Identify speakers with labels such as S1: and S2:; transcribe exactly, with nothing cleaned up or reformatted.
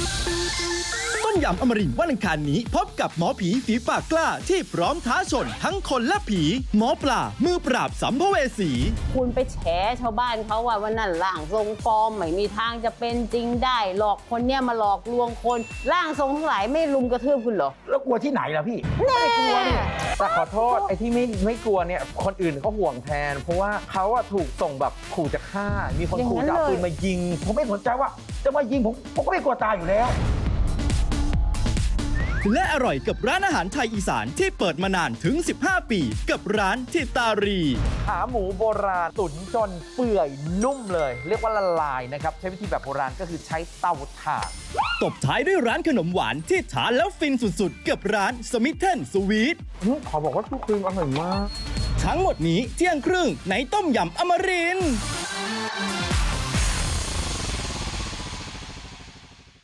S1: ต้มยำอมรินทร์วันอังคารนี้พบกับหมอผีฝีปากกล้าที่พร้อมท้าชนทั้งคนและผีหมอปลามือปราบสัมภเวสี
S2: คุณไปแฉชาวบ้านเขาว่าวันนั้นร่างทรงฟอร์มไม่มีทางจะเป็นจริงได้หลอกคนเนี่ยมาหลอกลวงคนร่างทรงทั้งหลายไม่ลุมกระทืบคุณเหรอ
S3: แล้วกลัวที่ไหนล่ะพี่
S2: แน่
S3: ไม่กลัวนี่
S4: แต่ขอโทษไอ้ที่ไม่ไม่กลัวเนี่ยคนอื่นเขาห่วงแทน เพราะว่าเขาอะถูกส่งแบบขู่จะฆ่า มีคนขู่จะเอาปืนมายิง
S3: ผมไม่สนใจว่าจะมายิงผมผมก็ไม่กลัวตายอยู่แล้ว
S1: และอร่อยกับร้านอาหารไทยอีสานที่เปิดมานานถึงสิบห้าปีกับร้านทิตารี
S4: ขาหมูโบราณตุ๋นจนเปื่อยนุ่มเลย เรียกว่าละลายนะครับ ใช้วิธีแบบโบราณก็คือใช้เตาถ่าน
S1: ตบท้ายด้วยร้านขนมหวานที่ทานแล้วฟินสุดๆกับร้านสมิธเทนสวีท
S4: ขอบอกว่าทุกครีมอร่อยมาก
S1: ทั้งหมดนี้เที่ยงครึ่งในต้มยำอมรินทร์